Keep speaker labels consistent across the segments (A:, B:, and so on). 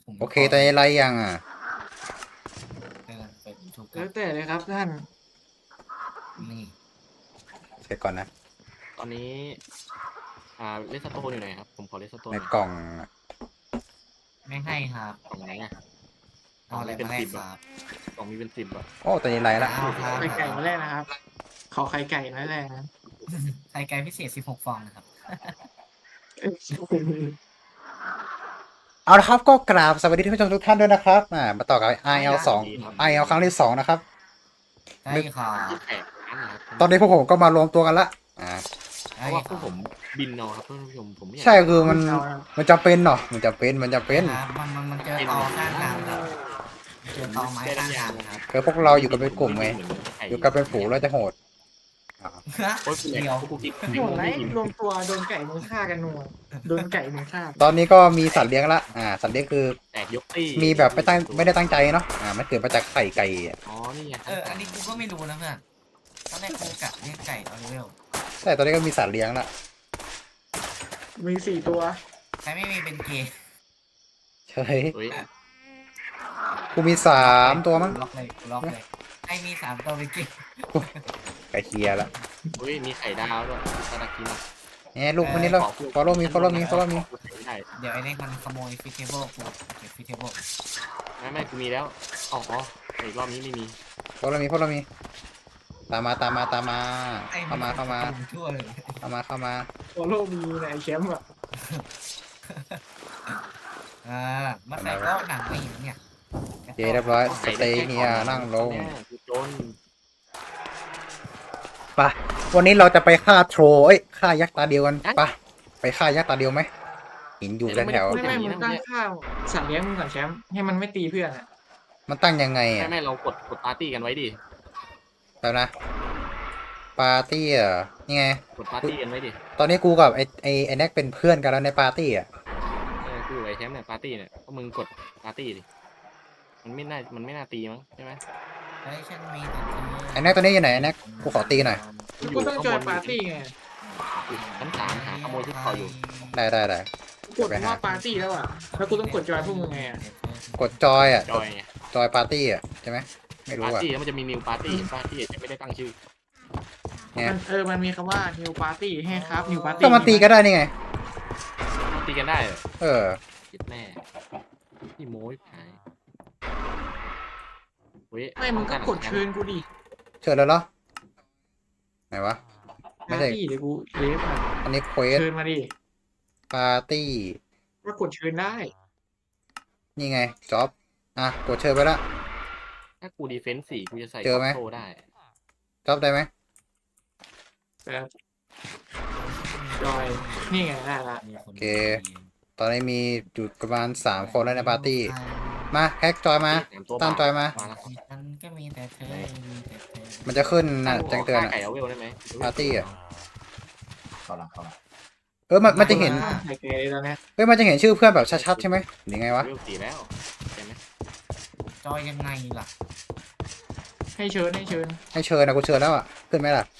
A: ผม
B: โอเคตอนนี้ไลฟ์ยังอ่ะ
A: เดินไปทุกค
C: แล้
A: รั
C: ว
A: บ
C: แต่เลยครับท่าน
A: นี่
B: เช็คก่อนนะ
D: ตอนนี้เลสโตนอยู่ไหนครับผมขอเลสโตน
B: ใน
D: หน่อย
B: กล่องอะ
A: ไม่ให้ครับ
D: กล่องไหนอ่ะ
A: เอาอะไรมาแลกครับ
D: กล่องมีเป็น10อ่ะ
B: โอ้ตอนนี้ไลฟ์ละ
A: เอาครับ
C: ไข่ไก่มาแรกนะครับ ขอไข่ไก่มาแรกนะ
A: ไข่ไก่พิเศษ16 ฟองนะครับ
B: เอาละครับก็กราบสวัสดีท่านผู้ชมทุกท่านด้วยนะครับมาต่อกับ IL 2 IL ครั้งที่2นะครับ
A: ได้ค่ะ
D: ที่แขกร้านนะครับ
B: ตอนนี้พวกผมก็มารวมตัวกันละ
D: เพ
A: ได้
D: ราะว่าพว
A: ค่ะ
D: กผมบินเอาครับท่านผู้ชมผมไม่อยาก
B: ใช่คือมันจำเป็นเนาะมันจำเป็น
A: ครับมันเจอตอข้างทางครับเจอตอไม้ข้างทางครับ
B: คือพวกเราอยู่กันเป็นกลุ่มไงอยู่กันเป็นฝูงเราจะโหดอ่า
D: โอ้ยคุณแหล
A: เดียว
D: กกูกิน
C: โหดไรรวมตัวโดนไก่มึงฆ่ากันนัวโดนไก่มึงฆ่า
B: ตอนนี้ก็มีสัตว์เลี้ยงละสัตว์เลี้ยงคือ
D: แตกยกตี้
B: มีแบบไม่ได้ตั้งใจเนาะมันเกิดมาจากไข่ไก่อะ
D: อ๋อนี่ไง
A: อันนี้กูก็ไม่รู้นะเพื่อนตอนแรกกูกะเรียกไก่เอาเร็ว
B: แต่ตอนนี้ก็มีสัตว์เลี้ยงละ
C: มี4 ตัว
A: ใครไม่มีเป็นเกย์
B: เฮ้ย
D: เฮ้ย
B: กูมี3ตัวมั้ง
A: ล็อกเลยใครมี3 ตัวเป็นเกย์
B: ไก่เคลียร์ละ
D: เฮ้ยมีไข่ดาวด้วยตะกิน
B: เนี่ยลูกคนนี้แล้ว follow me
D: ได้
A: เดี๋ยวไอ้นี่มันขโมยฟิเทเบิลกูเก็บฟิเทเบิล
D: ไม่กูมีแล้วอ๋ออีกรอบนี้ไม่มี
B: follow me ตามมาเข้ามา
A: ชั่วเลย
B: เข้ามา
C: โอโลมีในแชมป์อ่ะ
A: มาใส่ก็หนังไม่เห็นเนี่ย
B: โอเคเรียบร้อยสเตย์เฮียนั่งลง
D: กูจน
B: ไปวันนี้เราจะไปฆ่าโทรฆ่ายักษ์ตาเดียวกันไปฆ่ายักษ์ตาเดียวไหมหินอยู่แถว
C: ไม่มึงตั้งข้าวสัตว์เลี้ยงมึงก่อนแชมป์ให้มันไม่ตีเพื่อนอ่ะ
B: มันตั้งยังไงอ่ะ
D: ไม่เรากดปาร์ตี้กันไว้ดิ
B: แล้วนะปาร์ตี้อ่ะนี่ไง
D: กดปาร์ตี้กันไว้ดิ
B: ตอนนี้กูกับไอ้แน็กเป็นเพื่อนกันแล้วในปาร์ตี้อ่ะ
D: กูไอ้แชมป์เนี่ยปาร์ตี้เนี่ยก็มึงกดปาร์ตี้ดิมันไม่น่าตีมั้งใช่ไหม
A: เฮ้ยฉันมี
B: ไอ้แน็กตัวนี้อยู่ไหนไอ้แน็กกูขอตีหน่อย
C: กูต้องจอยปาร์ตี้ไง
D: ชั้น3หาขโมยชุดคออยู่
B: ได้
C: กดว่าปาร์ตี้แล้วอ่ะแล้วกูต้องกดจอยพวกมึงไงอ่ะ
B: กดจอยอ่ะ
D: จอยไง
B: จอยปาร์ตี้อ่ะใช่ไหมไม่รู้
D: ปาร์
B: อ่ะ
D: ตี้แล้วมันจะมีนิวปาร์ตี้ปาร์ตี้จะไม่ได้ตั้งชื่อ
B: เนี่ย
C: มันมีคำว่า new party ให้ครับ new party
B: ก็มาตีกันได้นี่ไง
D: ตีกันได้เหรอ
B: เออ
D: คิดแน่ที่โม้ยหายเฮ้ย
C: ไม่มึงก็กดเชิญกูดิ
B: เชิญแล้วเหรอไหนวะ ไม่
C: ปา
B: ใช่
C: ร์ตี้เดี๋ยวกูเลฟอ่ะ
B: อันนี้เควส
C: เชิญมาดิ
B: ปาร์ตี้
C: ก็กดเชิญได้
B: นี่ไงจ็อบกดเชิญไปละ
D: ถ้ากูดีเฟนส์4กูจะใส่
B: เจอไหม
D: โซ่ได้
B: จ็อบได้ไหม
C: แบบจอยนี่ไงได้ละ
B: ตอนนี้มีอยู่ประมาณ3คนแล้วในปาร์ตี้มาแฮกจอยมา
D: 3ตัว
B: ตั้งจอยมา
D: แล้ว
A: ฉันก็มีแต่เธอมีแต่เธอ
B: มันจะขึ้นนะแจ้งเตือน
D: ฆ่าไก่เอาเวลได้ไหม
B: ปาร์ตี้อ่ะ
E: เข้าละ
B: มันจะเห็น
C: ไข่ไก่เลยตอนเนี้ย
B: มันจะเห็นชื่อเพื่อนแบบชัดๆใช่ไหมหรือไงวะ
D: เวล4แล้วใช่ไหม
A: จอยยังไงล่ะ
C: ให้เชิญ
B: ให้เชิญนะกูเชิญแล้วอ่ะขึ้นไหมล่ะ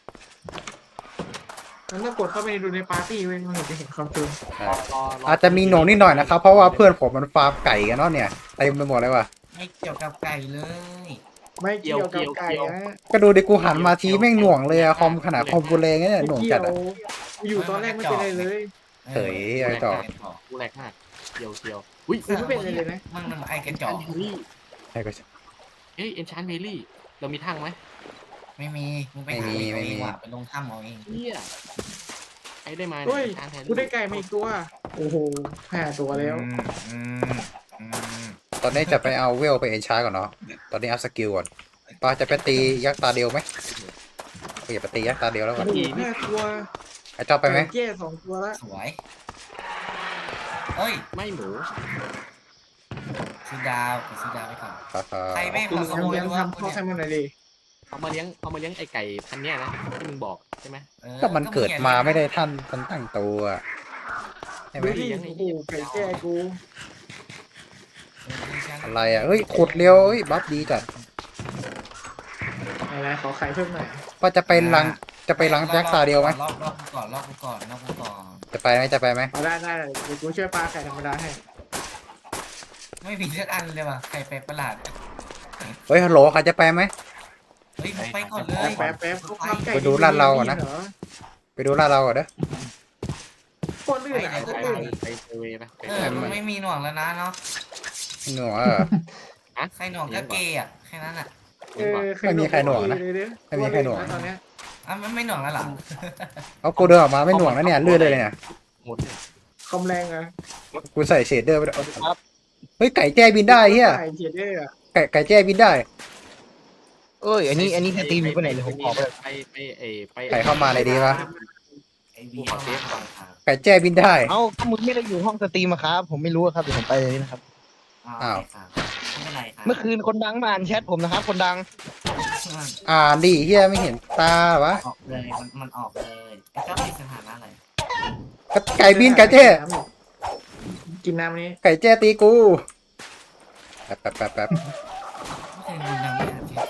C: มันต้องกดเข้าไปดูในปาร์ตี้เว้ยมันถึงจะเห็นความเชิญ
B: อาจจะมีหน่วงนิดหน่อยนะครับเพราะว่าเพื่อนผมมันฟาร์มไก่กันเนาะเนี่ยเต็มไปหมดเลยว่ะ
A: ไม่เกี่ยวกับไก่เลย
C: ไม่เกี่ยวกับไก่นะ
B: ก็ดูดิกูหันมาทีแม่งหน่วงเลยอะคอมขนาดคอมกูแรงเนี่ยหน่วงจัดอะ
C: อยู่ตอนแรกไม่เป็นไรเลย
B: เฮ้ยไอ้ต่อ
D: กูแรกมากเกี่ยวอุ้ย
C: กูไม่เป็นไรเลยนะ
A: มันไอ้กระจอก
B: ใช่ก็
D: เอ้ยเอนชานเวลี่เรามีทั้งไหม
A: ไม่มีมึงไปหาเองว่ะไปลงถ้ำเอาเอง
D: เฮียไอ้ได้มา
C: เฮ้ย
D: ชานแทน
C: กูได้ไก่มาอีกตัว โอ้โห5 ตัวแล้ว
B: ตอนนี้จะไปเอาเวลไปเอนชาร์ก่อนเนาะตอนนี้อัพสกิลก่อนป้าจะไปตียักษ์ตาเดียวไหมกูอย่าไปตียักษ์ตาเดียวแล้วก่อน
C: โอ้โห5 ตัว
B: ไอ้จอบไปไหม
C: แย่2 ตัวละ
A: สวยเฮ้ย
D: ไม่หมู
A: ซื้อดาวไปก่อน
B: ฮ่าฮ่า
A: ใครแม่ง
C: กู
A: มาขโมย
C: ยัง
A: รั้ว
C: ทำข้อให้มันหน่อยดิ
D: เอามาเลี้ยงไอ้ไก่พันเนี้ยนะที่มึงบอกใช่ไหม
B: ก็มันเกิดมาไม่ได้ท่านมันตั้งตัวใช่ไหม
C: ดูดิโอ้โหไก่แก่กู
B: อะไรอ่ะเฮ้ยขุดเร็วเฮ้ยบัฟดีจัด
C: อะไรขอไข่เพิ่มหน่อย
B: ว่าจะไปลังยักษ์ตาเดียวไหม
A: รอบกูก่อน
B: จะไปไหม
C: เอาได้เดี๋ยวกูช่วยปลาไข่ธรรมดาให้
A: ไม่มีสักอันเลยว่ะไข่แปลกประหลาด
B: เฮ้ยฮัลโหลใครจะไปไหม
A: เฮ้ยมึงไปก่อนเลย
C: แป๊บเขาทำไก่
B: ไปดูร้านเราก่อนนะ
C: เหรอ
B: ไปดูลาดเราก่อนเด้อ
C: โคตรลื่น
D: ไป
C: อ่ะโคตร
D: ไป
C: ลื่น
D: ไปเซเวย์ไป
A: เออมันไม่มีหน่วงแล้วนะเนาะ
B: หนูอ่ะ
A: ใครหน่วงก็เกย์อ่ะแค่นั้นอ่ะ
B: ไม่มีใครหน่วงนะไม่มีใครหน่วง
C: ตอนเนี้ย
A: อ่ะมันไม่หน่วงแล้วเหรอ
B: เอากูเดินออกมาไม่หน่วงแล้วเนี่ยเลื่อนเลยเนี่ย
D: หมดเนี่ย
C: คอมแรงอ่ะ
B: กูใส่เชดเดอร์ไปด้วยเฮ้ยไก่แจ้บินได้เฮีย
C: ไก่เจียดได้อ่ะ
B: ไก่แจ้บินได้
F: เอ้ยอันนี้สตรีมอยู่ไปไหนเลยผมขอไป
D: ไป
B: ไก่เข้ามาเลยดีวะ
A: ไอ้วีเข้ามาก่อนครับ
B: ไก่แจ้บินได้
F: เอ้าก็มึงไม่ได้อยู่ห้องสตรีมอะครับผมไม่รู้อะครับเดี๋ยวผมไปเลยนะครับ
B: อ้าว
A: ครับไม่เป็นไรครับ
F: เมื่อคืนคนดังมาอ่านแชทผมนะครับ คนดัง
B: อ่านดิเฮียไม่เห็นตาวะ
A: ออกเลยมันออกเลยไอ้เจ้ามีสถานะอะไร
B: ไก่บินไก่แจ้
C: กินน้ำนี้
B: ไก่แจ้ตีกูแป๊บ
A: ไม่เคยดูหนังไม่อ่านที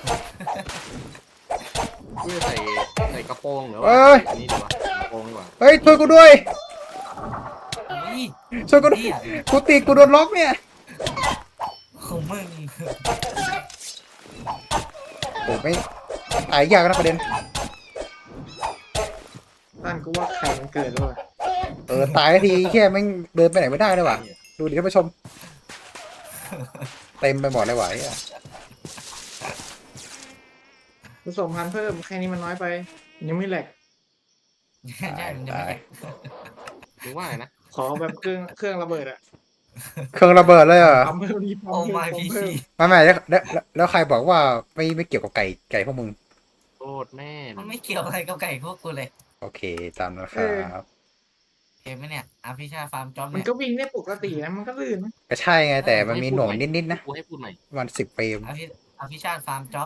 D: เพื่อใส่กระโปรงหรือว่า
B: เอ้ย
D: อันนี้ดีกว่ากระโปรงดีกว่า
B: เฮ้ยช่วยกูด้วย
A: เฮ้ย
B: ช่วยกูด้วย
A: เนี่ย
B: กูตีกูโดนล็อกเนี่ย
A: ของมึง
B: โอ้ไม่ตายยากนะประเด็น
C: ตั้นกูว่าไข่มันเกิดแล้วอ่ะ
B: ตายทีแค่แม่งเดินไปไหนไม่ได้เลยว่ะดูดิท่านผู้ชม เต็มไปหมดเลยว่ะไอ้เหี้ย
C: ผสมพันธุ์เพิ่มแค่นี้มันน้อยไป ยังไม่แหลก
A: ใช่มันจะไม่
D: ถึงว่าอะไรนะ
C: ขอแบบเครื่องระเบิดอ่ะ
B: เครื่องระเบิดเลยเหรอ
C: ปั๊มเพิ่มดีปั๊ม
A: โอ้
C: เพิ่ม
A: มา
C: ปั๊
A: พี
C: มเพิ่
A: ซี
C: ม
B: ไม่แล้วใครบอกว่าไม่เกี่ยวกับไก่พวกมึง
D: โทษแม่
A: มันไม่เกี่ยวอะไรกับไก่พวกกูเลย
B: โอเคตามนั้นครับ
A: เห็นไหมเนี่ยอาพิชาฟาร์มจ็อบ
C: มัน
A: เนี่ย
C: ก็วิ่งได้ปกตินะมันก็ลื่นนะ
B: ก็ใช่ไงแต่มันมีหน่วงนิดๆนะ
D: กูให้พูดใหม่
B: ประมัน10 เฟรม
A: อาพิชาฟาร์มจ็อบ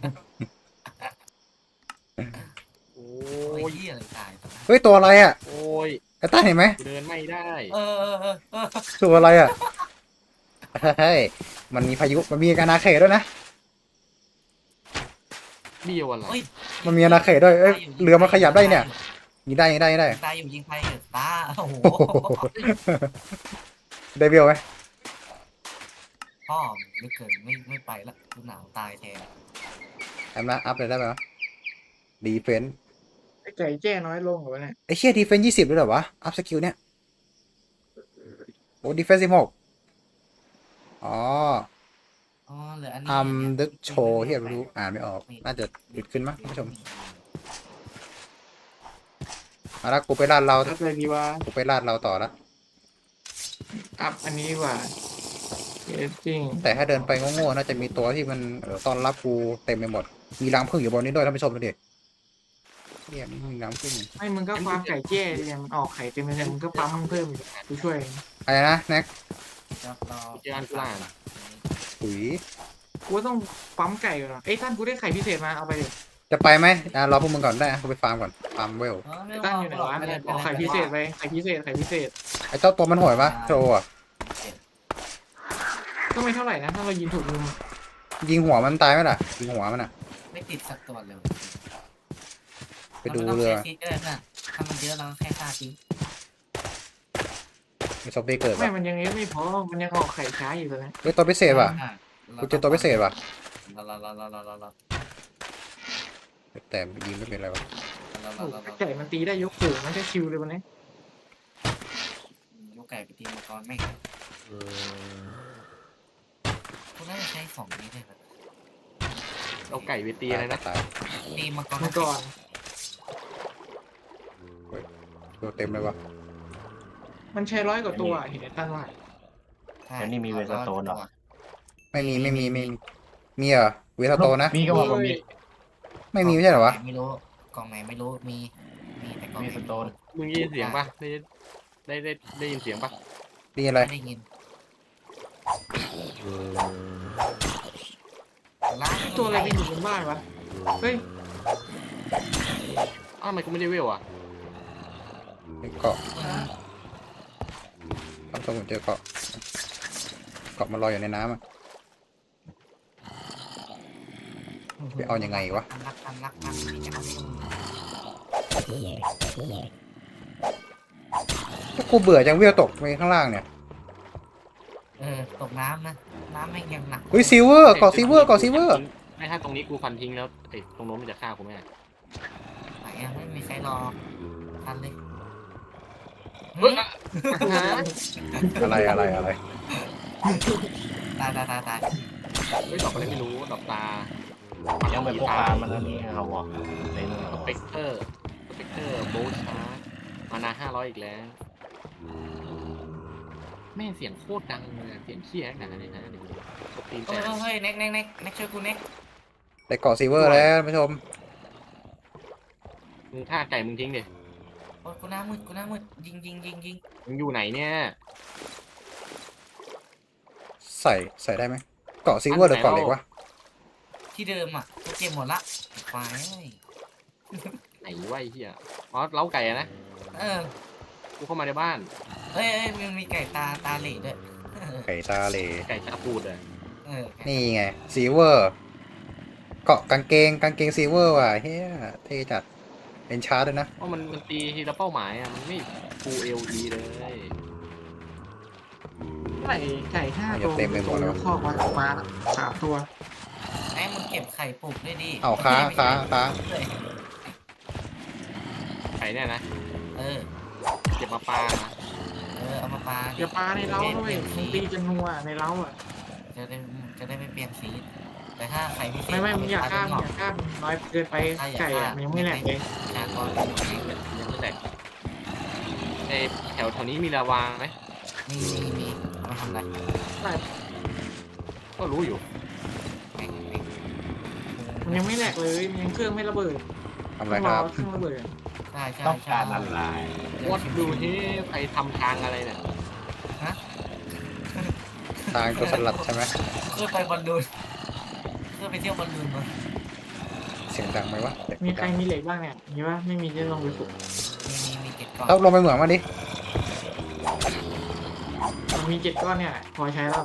D: โอ้
A: โอ้ย
D: ย
A: เหี้ยอะไรตายตอนนั้น
B: เฮ้ยตัวอะไรอ่ะ
D: โอ้ย
B: ไอ้ต้าเห็นไหม
D: กูเดินไม่ได้
A: เออ
B: ตัวอะไรอ่ะเฮ้ยมันมีพายุมันมีอาณาเขตด้วยนะ
D: เบี้ยวอะไร
A: เฮ้ย
B: มันมีอาณาเขตด้วยเอ้ยเรือมันขยับได้เนี่ยยิงได้
A: ตายอยู่ยิงไปตาโอ้โห
B: โอ้โหได้เบี้ยวไหม
A: พ่อไม่เกินไม่ไปละกูหนาวตายแทน
B: แอมนะอัพเลยได้ไหมวะดีเฟน
C: ไอ้ไก่แจ้น้อยลงเหรอวะเนี่ย
B: ไอ้เชี่ยดีเฟน20ด้วยเหรอวะอัพสกิลเนี่ยโอ้ดีเฟน16อ๋อ
A: อ๋อเหลืออันนี้
B: อัมดึกโชว์ที่ไม่รู้อ่านไม่ออกน่าจะหยุดขึ้นมั้งท่านผู้ชมมาแล้วกูไปลาดเรา
C: อัพอะไรดีวะ
B: กูไปลาดเราต่อละ
C: อัพอันนี้ดีกว่าจริง
B: แต่ถ้าเดินไปโง่ๆน่าจะมีตัวที่มันต้อนรับกูเต็มไปหมดมีรังผึ้งอยู่บนนี้ด้วยท่านผู้ชมดูดิเนี่ยมีรังผึ้ง
C: ไม่มึงก็ฟาร์มไก่แจ้ดิเนี่ยมันออกไข่เต็มเลยมึงก็ปั๊มเพิ่มอีกกูช่วย
B: อะไรนะแน็ก
A: จะรอ
D: เจออันกลาง
B: ปุ๋ย
C: กูต้องปั๊มไก่ก่อนนะเอ้ยท่านกูได้ไข่พิเศษมาเอาไปดิ
B: จะไปไหมรอพวกมึงก่อนได้นะกูไปฟาร์มก่อนฟาร์มเวล
C: ตั้งอยู่ไหนวะเอาไข่พิเศษไปไข่พิเศษไข่พิเศษ
B: ไอ้เจ้าตัวมันโหวยปะโชว์อะ
C: ก็ไม่เท่าไหร่นะถ้าเรายิงถูกมุม
B: ยิงหัวมันตายไหมล่ะยิงหัวมันอะ
A: ไม่ติดสักตัวเลย
B: ไปดูเรือ
A: าไม่ต้องใช้คิดก็ได้นะถ้ามันเยอะเราแค่ฆ่าทิ้ง
B: มีซอมบี้เกิด
C: ไม่
B: ปะ
C: มันยังไม่พอมันยังออกไข่ช้าอยู่เลย
B: เฮ้ยตัวพิเศษปะ กูเจอตัวพิเศษปะ
A: รอ
B: แต่ยิงไม่เป็นไรวะ
C: ไก่มันตีได้ยกสูงมันจะชิวเลยวันนี้
A: ลูกไก่ไปตีมังกรแม่งกูน่าจะใช้ของนี้ได้ไหม
D: เอาไก่ไปตีอะไรนะ
B: ตาย
A: ตีมังกร
C: มันก่อน
B: ตัวเต็มเลยวะ
C: มันใช้100 กว่าตัวเห็นไอ้ตั้นว่า
E: แล้วนี่มีเวสโตนเหรอ
B: ไม่มีมีเหรอเวทโตนะ
E: มีก็บอกว่ามี
B: ไม่มีไม่ใช่เหรอวะ
A: ไม่รู้กล่องไหนไม่รู้มีแต่กล่อง
E: มี
A: ไหน
E: สโตน
D: มึงยินเสียงปะได้ยินเสียงปะ
B: นี่อะไร
A: ไม่ได้ยิน
C: ตัวอะไรที่อยู่บนบ้านวะเฮ้ย
D: อ้าวทำไมกูไม่ได้เวลอ่ะ
B: เกาะทำสมุนเจอเกาะมันลอยอยู่ในน้ำอะไปเอายังไงวะ
A: รักที่จะเอา
B: ถ้ากูเบื่อจังเวลตกไปข้างล่างเนี่ย
A: ตกน้ำนะน้ำแม่งยังหนัก
B: เฮ้ยซิลเวอร์เกาะซิลเวอร์เกาะซิลเวอร์
D: ไม่ถ้าตรงนี้กูฟันทิ้งแล้วไอ้ตรงโน้นมันจะฆ่ากูไหม
A: ไหนอะไม่มีใครรอทันเลย
D: เฮ้ย
B: อะไร
A: ตายตายตายตาย
D: ไม่ดอกอะไรไม่รู้ดอกตา
E: ยังเป็นพวกปลามันแล้วนี่เขาบอกเต็มเลย
D: สเปกเตอร์โบชาร์มานา500อีกแล้วแม่เสียงโคตรดังเลยเสียงเชี่ยขนาดนี้นะเดี๋ยวสตรีม
A: เฮ้
D: แต่
A: ยเฮ้ยเน็กเน็กเน็กเน็กช่วยกูเน็ก
B: ได้เกาะซิลเวอร์แล้วท่านผู้ชม
D: มึงฆ่าไก่มึงทิ้งดิ
A: โอ้ยกูหน้ามืดกูหน้ามืดยิงยิงยิงยิง
D: มึงอยู่ไหนเนี่ย
B: ใส่ได้ไหมเกาะซิลเวอร์หรือเกาะเหล็กวะ
A: ที่เดิมอ่ะกูเก็บหมดละควายเอ้ย
D: ไหนวะไอ้เหี้ยอ๋อเล้าไก่อะนะ
A: เออ
D: กูเข้ามาในบ้าน
A: เอ้ยมันมีไก่ตาเหล่ด้วย
B: ไก่ตาเหล
D: ไก่ชาปูดเลย
A: ไก่
B: นี่ไงซิลเวอร์เกาะกางเกงซิลเวอร์ว่ะเฮ้ยเท่จัดเป็นชาร์ดด้วยนะ
D: เพราะมันตีทีละเป้าหมายอ่ะมันไม่ฟูเอลดีเลย
C: ไก่5 ตัวคอกมา3 ตัว
A: ไอ้มึงเก็บไข่ปลูกด้วยดิ
B: เอาค้า
A: เลย
D: ไก่เนี่ยนะ
A: เออ
D: เก็บมาปลานะ
A: เอามาปลา
C: อย่าปลาในเล้าด้วยมึงตีจนนัวในเล้าอ่ะ
A: จะได้ไม่เปลี่ยนสีแต่ถ้าไข่พิเศษ
C: ไม่มึงอย่าข้ามน้อยเกินไปไก่อะมันยังไม่แหลกเลย
A: ชากร
D: ยังไม่แตกไอแถวนี้มีลาวาไหม
A: มีเอามาทำอะไร
D: ก็รู้อยู่
C: มันยังไม่แหลกเลยมันยังเครื่องไม่ระเบิด
B: ทำอะไรครับ
C: เครื่องระเบิด
A: ใช่
E: ต้องการอะไร
D: วัดดูที่ใครทำทางอะไรเนี่ย
B: ทางตัวสลัดใช่ไหม
A: เพื่อไปบอลลูนเพื่อไปเที่ยวบอลลูนมา
B: เสียงดังไหมวะเด็ก
C: มีใครมีเหล็กบ้างเนี่ยมีว่าไม่มีจะลองไปฝึก
A: มีเก็บก่อน
B: ต้องลงไปเหมืองมาดิ
C: มันมี7 ก้อนเนี่ยพอใช้แล้ว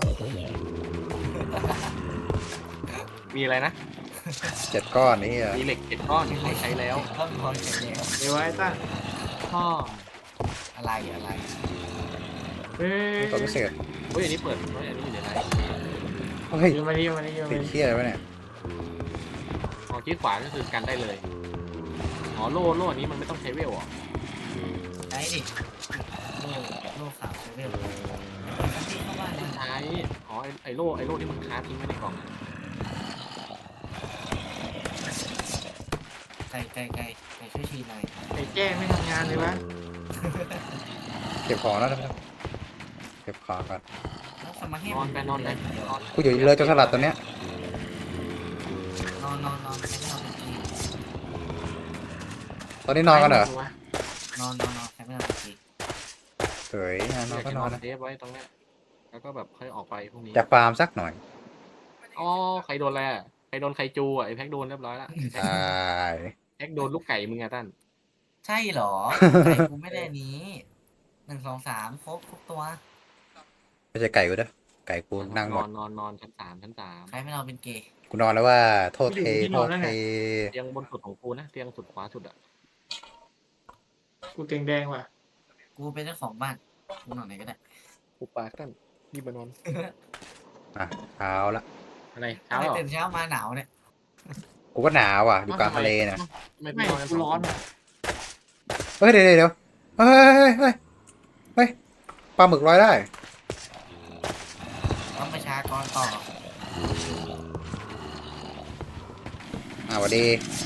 D: มีอะไรนะ
B: 7 ก้อนนี่อ่ะ
D: มีเหล็ก7 ก้อนที่ใช้แล้ว
A: ต้องพอเสร็จแล้ว
C: เดี๋ยวไว้ตั้ง
D: พ่อ
A: อะไร
C: เฮ้ย
B: ตัวพิเศษ
D: เฮ้ยอันนี้เปิดเฮ้ยอันนี้อยู่ในไหน
B: เฮ้ย
C: เดี๋ยวมาดิ
B: ติดเที่ยอะไรวะเนี่ย
D: อ๋อคลิกขวาก็คือกันได้เลยอ๋อโล่อันนี้มันไม่ต้องใช้เวลเหรอ
A: ใช้ดิโล่ขาวใช้เวลที่เข้าบ้านนะ
D: ใช้อ๋อไอโล่ที่มึงค้าทิ้งไว้ในกล่องอะ
A: ไก่ช่วยชีหน่อย
C: ไอ้แจ้ไม่ทำงานเลยวะ
B: เก็บของแล้วนะเก็บของก่อน
A: แล้วสมาธิ
D: นอนไปนอน
B: กูอยู่เลยตัวสลัดตัวเนี้ย
A: นอนใช้ไม่นอนเป็นที
B: ตอนนี้นอนกันเหรอน
A: อนใช้ไม่นอนเป็นที
B: เฮ้ยนอน
D: อยาก
B: ก็
D: จะ
B: น
D: น
B: อ
D: อน น
B: นะ
D: เทปไว้ตรงเนี้ยแล้วก็แบบค่อยออกไปพรุ่งนี้
B: จะฟาร์มสักหน่อย
D: อ๋อใครโดนอะไรอะใครโดนไคจูอ่ะไอแพ็กโดนเรียบร้อยละ
B: ใช่
D: แพ็กโดนลูกไก่มึงอะตั้น
A: ใช่เหรอไก่กูไม่ได้นี้1 2 3ครบทุกตัว
B: ไม่ใช่ไก่กูเด้อไก่กูนั่งหมด
D: นอนชั้น 3ชั้น
A: ใครไม่นอนเป็นเกย์
B: กูนอนแล้วว่าโทษเท
D: เตียงบนสุดของกูนะเตียงสุดขวาสุดอะ
C: กูเตียงแดงว่ะ
A: กูเป็นเจ้าของบ้านกูนอนไหนก็ได้
D: กูปากตั้นรีบมานอน
B: อ่ะเอาละ
D: อะไร
A: ทำ
D: เช้า
A: ไม
D: เหรอ
A: ตื่นเช้ามาหนาวเนี่ย
B: กูก็หนาวอ่ะอยู่กลางทะเลเนี่ย
D: ไม่
C: ไม่
D: นอนกัน
C: กูร้อนว่ะ
B: เฮ้ยเดี๋ยวเฮ้ยปลาหมึกลอยได้
A: ต้องประชากรต่อ
B: สวัสดี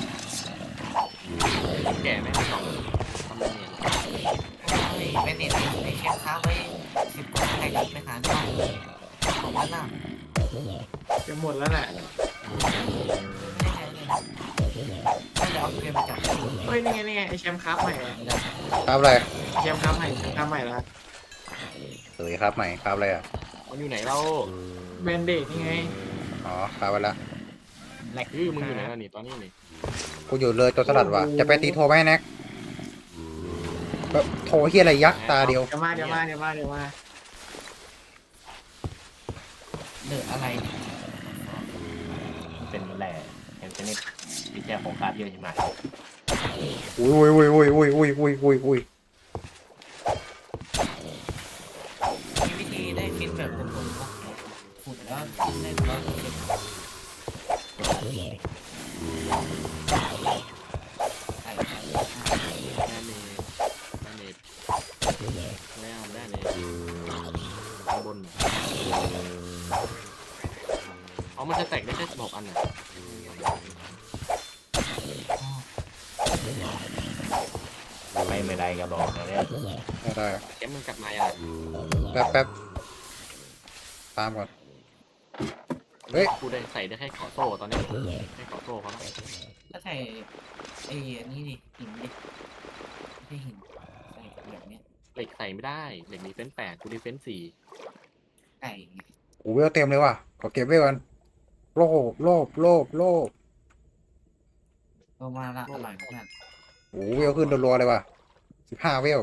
D: แก่ไหมไม่สองทำไมเนี่ย
A: เป็นเน็ตไอเชฟค้าไว้10 กว่าใครจะไปหาได้ของบ้านน่ะ
C: จะหมดแล้วแหละ
A: ไม่ได้ใช้เลยนะถ้าจะเอาเกมมาจับ
C: เฮ้ยนี่ไงไอแชมป์ครับใหม่อะ
B: ครับอะไร
C: แชมป์ครับใหม่ละ
B: เฮ้ยครับใหม่ครับอะไรอ่ะ
D: มันอยู่ไหนเรา
C: แบนเดดนี่ไง
B: อ๋อครับไปละ
D: มึงอยู่ไหนล่ะนี่ตอนนี้นี่
B: กูอยู่เลยตัวสลัดว่ะจะไปตีโทรไหมแน็กโทรเฮียอะไรยักษ์ตาเดียว
C: เดี๋ยวมา
A: เหลืออะไร
E: เป็นแหล่เป็นชนิดที่แจ้ของคราบเยอะใช่ไหม
B: อุ้ย
A: มีวิธีได้ฟินแบบตรงๆปะขุดแล้วได้ร้อยเปอร์เซ็นต์ไก่ไก่
D: ได้เนตได้เนตไม่เอาได้เนตข้างบนเอามันจะแตกได้แค่16 อันน่ะ
E: ไม่ได้ก็บอกนะเนี่ย
B: ได้
D: แกมึงกลับมาอย่าง
B: แป๊บตามก่อน เฮ้ย
D: กูได้ใส่ได้แค่ขอโซ่ตอนนี้แค่ขอโซ่เขาแล้ว
A: ถ้าใส่ไอ้อันนี้ดิหินดิไม่ใช่หินใส่แบบเนี้ย
D: เหล็กใส่ไม่ได้เหล็กมีเฟ้น8กูได้เฟ้น4
A: ไก่
B: โอ้เวลเต็มเลยว่ะขอเก็บเวลกันโลภโลภโลภโลภ
A: ก็มาละอร่อยมาก
B: โอ้เวลขึ้นรัวๆเลยว่ะ15เวล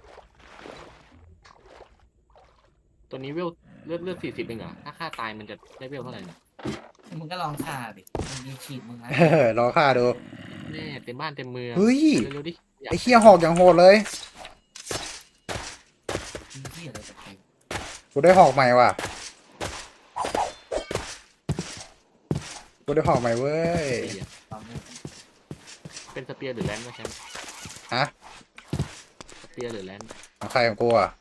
D: ตัวนี้เวลเลือด40เองเหรอถ้าฆ่าตายมันจะได้เวลเท่าไหร่เนี่ย
A: มึงก็ลองฆ่าดิมันมีฉีดมึงนะ
B: รอค่าดู
D: แม่เต็มบ้านเต็มเมือง
B: เฮ้ย
D: เร็วๆดิอยาก
B: ไอ้เคี้ยหอกอย่างโหดเลย
A: มีที่อะไรจะไป
B: กูได้หอกใหม่ว่ะกูได้หอกใหม่เว้ย
D: ตีอะ
A: ลองดู
D: เป็นสเปียร์หรือแลนด์วะแชมป์
B: ฮะ
D: สเปียร์หรือแลนด์
B: ของใครของกูอ่ะ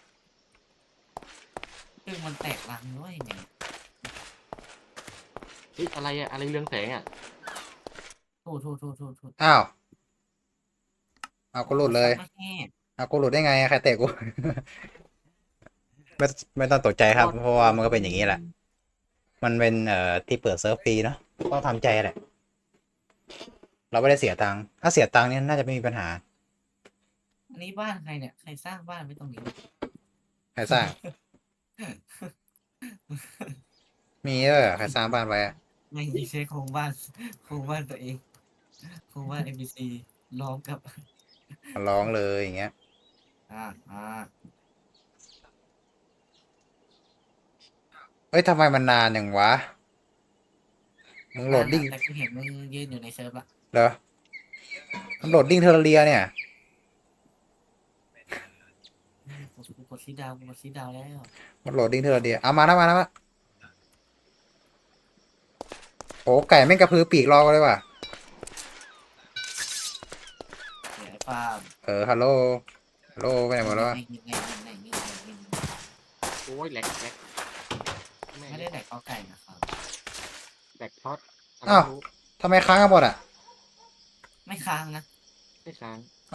A: ซึ่งมันแตกรังด้วยไง
D: เฮ้ยอะไรอะอะไรเรืองแสงอะ
A: โทษ
B: อ้าวเอากูหลุดเลย
A: ไม่แห้
B: เอากูหลุดได้ไงใครเตะกู ไม่ต้องตกใจครับ เพราะว่ามันก็เป็นอย่างนี้แหละ มันเป็นที่เปิดเซิร์ฟฟรีเนาะต้องทำใจแหละ เราไม่ได้เสียตังค์ถ้าเสียตังค์เนี่ยน่าจะไม่มีปัญหา
A: อันนี้บ้านใครเนี่ยใครสร้างบ้านไว้ตรงนี้
B: ใครสร้าง มีใครสร้างบ้านไว้อะ
A: ไม่ใช่โครงบ้านตัวเองโครงบ้าน NPC ล้อมกับ
B: มาร้องเลยอย่างเงี้ย
A: อ่า
B: เฮ้ยทำไมมันนานอย่างวะ มึงโหลดดิ้ง
A: แต่กูเห็นมึงยืนอยู่ในเซิร์ฟละ
B: เหรอมันโหลดดิ้งเทอร์เรียเนี่ย
A: กูกดซีดาวแล้ว
B: มันโหลดดิ้งเทอร์เรียเอามานะโอ้ไก่แม่งกระพือปีกรอกันเลยว่ะ
A: เดี๋ยวไอ้ปาล์ม
B: ฮัลโหลไปไหนหมดแล้ววะ
A: ไง
D: โอ้ยแหลกแม่
A: ไม่ได้แดกข้าวไก่นะครับ
D: แหลกพอด
B: อ้าว ทำไมค้างกันหมดอ่ะ
A: ไม่ค้างนะ
D: ไม่ค้าง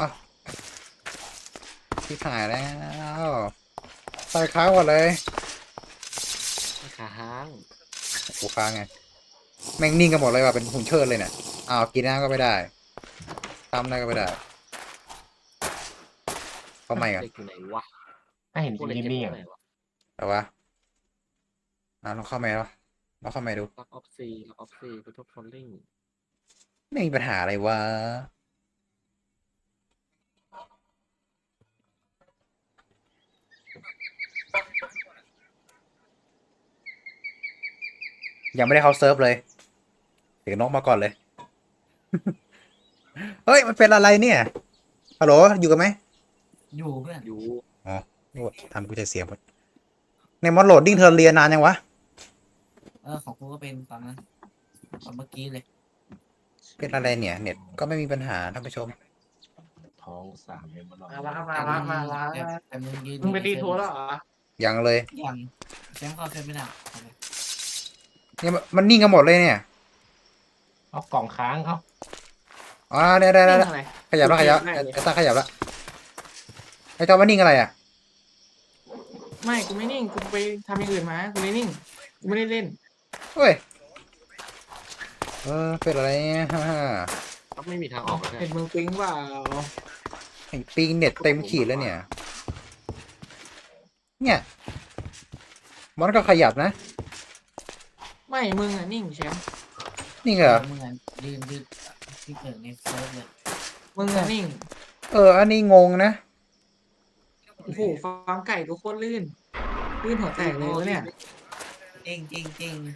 B: ที่ถ่ายแล้วใส่ค้างหมดเลย
D: ไม่ค้าง
B: กูค้างไง แม่งนิ่งกันหมดเลยว่ะ เป็นหุ่นเชิดเลยเนี่ย อ้าว กินน้ำก็ไม่ได้ทำอะไรก็ไม่ได้ เข้าใหม่กัน
D: เด็กอยู่ไหนวะ
E: ถ้าเห็น
D: พวกเล็ก
E: นิ่ง
D: เก็บ
E: ๆ
D: ไว้
E: อ่ะ
D: ไหนวะ
B: แต่ว่าลองเข้าใหม่แล้วลองเข้าใหม่ดู
D: ล็อกออฟซีกระทบฟอลลิ่ง
B: ไม่มีปัญหาอะไรวะ ยังไม่ได้เข้าเซิร์ฟเลยเสียงนกมาก่อนเลย เฮ้ย มันเป็นอะไรเนี่ยฮัลโหลอยู่กันไหม
A: อยู่เพื่อน
D: อยู่
B: โอ้ทำกูจะเสียหมดในมอดโหลดดิ้งเทอร์เรียนานยังวะ
A: ของกูก็เป็นตอนนั้นตอนเมื่อกี้เลย
B: เป็นอะไรเนี่ย เน็ตก็ไม่มีปัญหาท่านผู้ชม
E: ท้องสามเลยมัน
C: มาละ
A: แต่มึงยืน
C: มึงไปตีโทรแล้วเหรอ
B: ยังเลย
A: ยังแชมป์เข้าเซิร์ฟไม่ได้เอาเลย
B: เนี่ยมันนิ่งกันหมดเลยเนี่ย
E: เอากล่องค้างเขา
B: อ๋อได้
C: อะไร
B: ขยับแล้วไอ้ตาขยับแล้วไอ้จอมันนิ่งอะไรอ่ะ
C: ไม่กูไม่นิ่งกูไปทำอย่างอื่นมากูไม่นิ่งกูไม่ได้เล่น
B: เฮ้ยเป็นอะไรเนี่ย
D: ก็ไม่มีทางออกแล้ว
C: เห็นมึงปิ๊งเปล่า
B: ไอ้ปิงเน็ตเต็มขีดแล้วเนี่ย เนี่ยมันก็ขยับนะ
C: ไม่มึงอ่ะนิ่งแชมป์
B: นี่เหรอ
A: มึงอ่ะยืนที่เกิดในเซิร์ฟเลย
C: มึงอ่ะนิ่ง
B: อันนี้งงนะ
C: โอ้โหฟาร์มไก่ก็โคตรลื่นหัวแตกเลยวะเนี่ย
A: จริง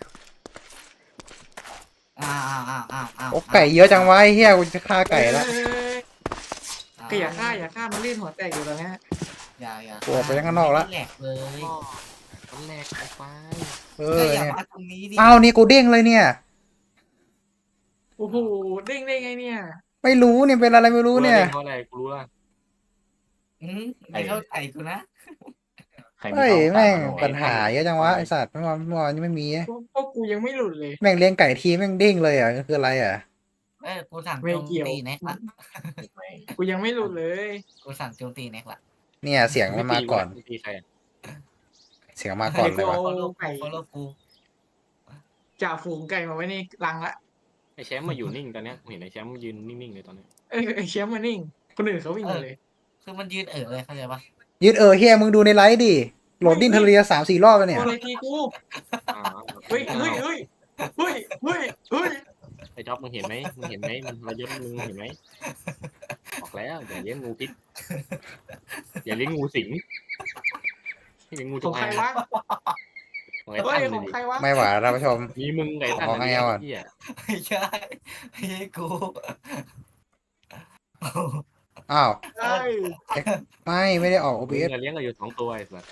A: อ้าว
B: โอ้ไก่เยอะจังวะไอ้เฮียกูจะฆ่าไก่แล้ว
C: ก็อย่าฆ่ามันลื่นหัวแตกอยู่ตอนเนี้ย
A: อย่า
B: กูออกไปข้างนอกแล้ว
A: แหลกเลย
D: มันแหลกไอ้ไฟ
B: ก
A: ก็อย่า
B: เนี่ย
A: มาตรงนี้ดิ
B: อ้าวนี่กูเด้งเลยเนี่ย
C: โอ้โหเด้งได้ไงเนี่ย
B: ไม่รู้เนี่ยเป็นอะไรไม่รู้เนี่ย
D: เพราะอะไรกูรู้ละ
A: ไม่เข้าใจกูนะ
E: ใครมี
B: เฮ้ย
E: กล้อง
B: แม่ง
E: ตามมา
B: ปัญหาเยอะจังวะไอสัตว์เมื่อวานนี้ไม่มี
C: พวกกูยังไม่หลุดเลย
B: แม่งเลี้ยงไก่ทีแม่งเด้งเลยอ่ะคืออะไรอ่ะ
A: กูสั่ง
C: ไม่
A: โจม
C: เกี่ยว
A: ตีแน็กละ
C: กูยังไม่หลุดเลย
A: กูสั่งโจมตีแน็กละ
B: เนี่ยเสียงมันมาก่อน
D: ไม่ตีใครอะ
B: เสียงมาก่อนเลย
C: ไอ้
B: วะ
C: กู
A: ฟอลโล่
C: ไก่
A: ฟอลโล่กู
C: จ่าฝูงไก่มาไว้ในรังละ
D: ไอ้แชมป์มาอยู่นิ่งตอนเนี้ยกูเห็นไอ้แชมป์ยืนนิ่งๆเลยตอนเนี้ย
C: ไอ้แชมป์มานิ่ง คนอื่นเขาวิ่งมาเลย
A: คือมันยืนเลยเข้าใจปะ
B: ยืดเฮียมึงดูในไลฟ์ดิโหลดดิ้นเทเรีย3-4 รอบแล้วเนี่ย
C: โอะไรทีกู
D: อ่า
C: เฮ้ยเฮ้ยเฮ้ยเฮ้ยเฮ้ยเฮ้ย
D: ไอ้จ๊อบมึงเห็นไหมมึงเห็นไหมมันมาเยอะมึงเห็นไหมบอกแล้วอย่าเลี้ยงงูพิษอย่าเลี้ยงงูสิงให้เลี้ยงงู
C: ข
D: จ
C: อง
D: ง
C: ใคร
D: อาง
C: วะ
D: ของไอ้
C: เฮ้
D: ตั้
C: ย
D: น
C: ข
D: เล
C: อง
D: ย
C: ใครวะ
B: ไม่ไหวแล้วท่านผู้ชม
D: มีมึงไอ้ตั้น
B: ขอให้เอาก่อน
D: เหี้ย
A: ไม่ใช่ไม่ใช่กู
B: อ้าว
C: เฮ้ย
B: ไม่ได้ออก
D: มึง
B: OBS
D: อะเลี้ยงกันอยู่2 ตัวไอ้สัส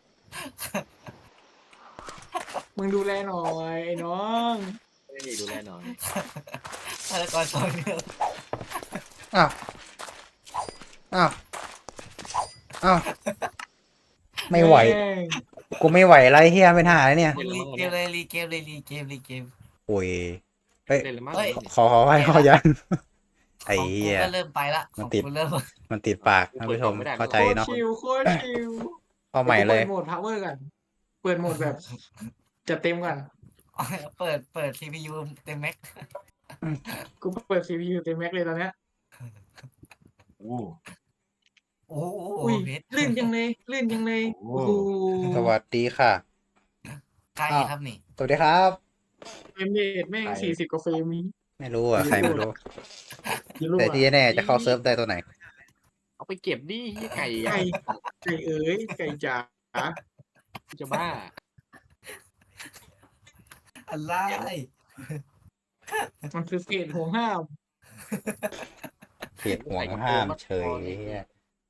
C: มึงดูแลหน่อยไอ้น้อง
D: ไม่ได้ดูแลหน่อย
A: ฆาตกรซอยเนี่ย
B: อ้าวอ้าวอ้าวไม่ไหว
C: แม่ง
B: กูไม่ไหวไรเฮียเป็นหาเลยเนี่ย
A: รีเกมเลยรีเกมเลยรีเกมรีเกม
B: โอ้ย
D: เล่นเลยมั้ง
B: ขอให้ขอยันไอ้
A: ของ
B: เหี้
A: กู
B: ย
A: ก็เริ่มไปละของกูเริ่ม
B: มันติดปากท่านผู้ชมเข้าใจ
C: โคตร
B: เนาะ
C: ชิวโคตรชิว
B: เอาใหม่เลย
C: ปิดโหมด power กันเปิดโหมดแบบจัดเต็มก่อน
A: เปิด CPU เต็มแม็ก
C: กูเปิด CPU เต็มแม็กเลยตอนเนี้ย
E: โอ้
A: โอ้โห
C: อุ้ย
A: เพชร
C: ลื่นจังเลยลื่นจังเลย
E: โห
C: โอ้โห
B: สวัสดีค่ะ
A: ไกลครับนี่
B: สวัสดีครับ
C: เฟรมเรทแม่ง40กว่าเฟรมนี้
B: ไม่รู้อ่ะใครไม่รู้
C: ยี่ลูก
B: แต่
C: อะ
B: ที่แน่ๆจะเข้าเซิร์ฟได้ตัวไหน
D: เอาไปเก็บดิเหี้ยไก่
C: ไก่ไก่เอ๋ยไก่จ๋า
D: จะบ้า
A: อะไร
C: มันคือเกตห่วงห้าม
B: เขตห่วงห้ามเฉยเหี้ย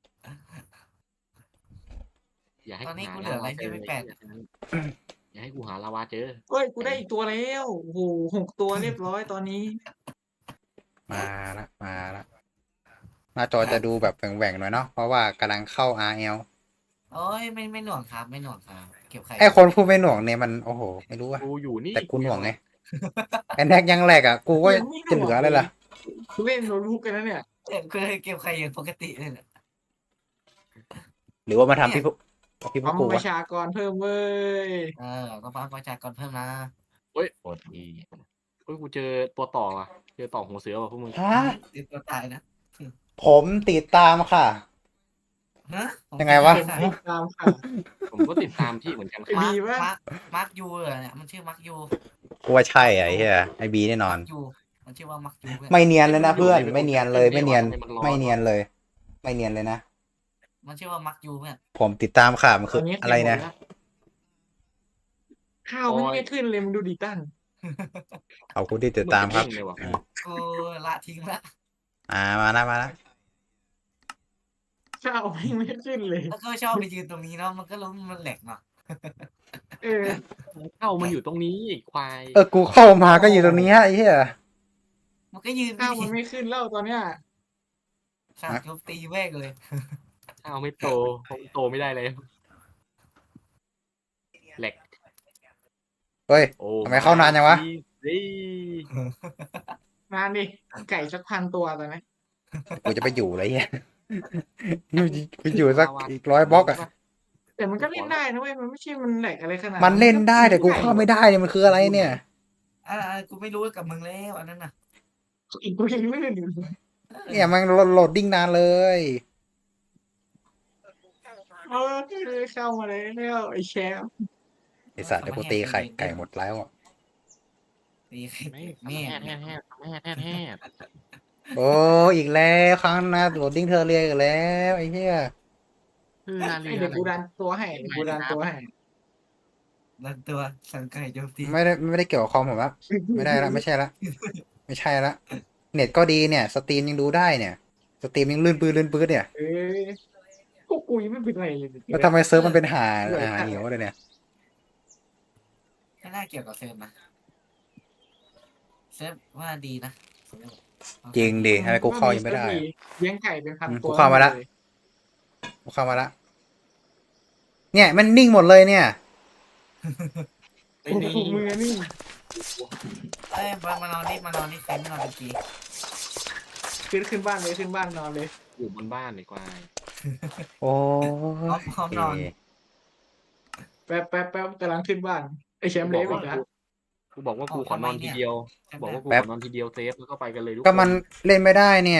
D: อย่าให้
A: ตอนนี้
D: หา
A: กูเหลืออะไรที่ไม่แปด
D: อย่าให้กูหาลาวาเจอ
C: เฮ้ยกูได้อีกตัวแล้วโอ้โห6 ตัวเรียบร้อยตอนนี้
B: มาละหน้าจอจะดูแบบแหว่งๆหน่อยเนาะเพราะว่ากำลังเข้า RL
A: โอ้ยไม่หน่วงครับไม่หน่วงครับเก็บไข่
B: ไอคนพูดไม่หน่วงเนี่ยมันโอ้โหไม่รู้อะ
D: กูอยู่นี่
B: แต่กูหน่วงไงไอแน็กยังแหลกอ่ะกูก็จะเหลืออะไรล่ะ
C: กูเล่นโน้ตบุ๊กกันนะเนี่ย
A: เก็บไข่อย่างปกติเลยแหละ
B: หรือว่ามาทำพี่พวก
C: ปั๊ม
B: กู
C: ป
B: วะ
C: ระชากรเพิ่มเว้ย
A: ต้องฟังประชากรเพิ่มนะ
E: โคตรดี
D: เฮ้ยกูเจอตัวต่อว่ะเจอต่อหัวเสือว่ะพวกมึง
B: ฮะ
A: ติดตัวตายนะ
B: ผมติดตามค่ะ
A: ฮะ
B: ยังไงวะ
C: ติดตามค่ะ
D: ผมก็ติดตามพี่เหมือนกันค
C: ไอ้
D: รับ
C: บีวะ
A: มาร์คยูเหรอเนี่ยมันชื่อมาร์คยู
B: กูว่าใช่อะไอ้เหี้ยไอบีแน่นอน
A: ยูมันชื่อว่ามาร์คยูเพื่อน
B: ไม่เนียนเลยนะเพื่อนไม่เนียนเลยไม่เนียนไม่เนียนเลย ไม่เนียนเลยนะ
A: มันชื่อว่ามาร์คยูเพื่อน
B: ผมติดตามค่ะมันคืออะไรนะ
C: ข้าวมันไม่ขึ้นเลยมึงดูดิตั้น
B: เอาคุณที่ติดตามครับ
D: เหอนจะเด้งเลยว่ะ
A: กูละทิ้งละ
B: มานะ
C: ข้าวไม่ขึ้นเลย
A: แล้วก็ชอบไปยืนตรงนี้เนาะมันก็รู้มันแหลกเนาะ
C: เออ
D: เข้ามันอยู่ตรงนี้ไอ้ควาย
B: กูเข้ามาก็อยู่ตรงนี้ไอ้เหี้ย
A: มันก็ยืน
C: ข้าวมันไม่ขึ้นแล้วตอนเนี้ย
A: สั่งโจมตีแม่งเลย
D: ข้าวไม่โตผมโตไม่ได้เลยแหลก
B: เฮ้ย
D: โอ้
B: ทำไมเข้านานจังวะ
D: เฮ้ย
C: นานดิไก่สัก1,000 ตัวตอนนี้
B: กูจะไปอยู่อะไรเหี้ยกูอยู่สักอีก100 บล็อกอะ
C: แต่มันก็เล่นได้นะเว้ยมันไม่ใช่มันแหลกอะไรขนาด
B: มันเล่นได้แต่กูเข้าไม่ได้เนี่ยมันคืออะไรเนี่ย
A: กูไม่รู้กับมึงแล้วอันนั้นน่ะ
C: อีกตัวยังลื่นอยู่
B: เนี่ยมันโหลดดิ้งนานเลย
C: เออเข้ามาแล้วไอ้แชมป์
B: ไอสัตว์เดี๋ยวกูตีไก่หมดแล้วอะ
A: ตีไข่
D: ไม่
A: แม่
D: แห่
B: โอ้อีกแล้วครั้งหนะโหลดดิ้งเธอเรียอีกแล้วไอ้เหี้ย
D: คือนาลี
C: เดี๋ยวกูดันตัวให้เดี๋ยวกูดันตัวให้
A: ดันตัวสั่งไก่โจมตี
B: ไม่ได้เกี่ยวกับคอมผมละไม่ได้ละไม่ใช่ละเน็ตก็ดีเนี่ยสตรีมยังดูได้เนี่ยสตรีมยังลื่นปื้ดเนี่ย
C: เออพวกกูยังไม่เป็นไรเลย
B: แล้วทำไมเซิร์ฟมันเป็นหาเหวเลยเนี่ย
A: น่าเกี่ยวกับเซิร์ฟนะเซิร์ฟว่าดีนะ
B: จริงดิทำไมกูเข้ายังไม่ได้อะ
C: เลี้ยงไก่เป็นพันตัว
B: กูเข้ามาละ กูเข้ามาละเนี่ยมันนิ่งหมดเลยเนี่ย
C: โอ้โหมือนี่
A: เอ้ยมานอนนี่เซ็นมานอนดี
C: ขึ้นบ้านเลยขึ้นบ้านนอนเลย
D: อยู่บนบ้านดีกว่า
B: โอ้
A: พร้อมนอน
C: แป๊บกำลังขึ้นบ้านไอแชมป์เละอีกแล้ว
D: กูบอกว่ากูขอนอนทีเดียว บอกว่ากูขอนอนทีเดียวเซฟแล้วก็ไปกันเลยทุก
B: ก็
D: ค
B: มัน
D: น
B: เล่นไม่ได้เนี่ย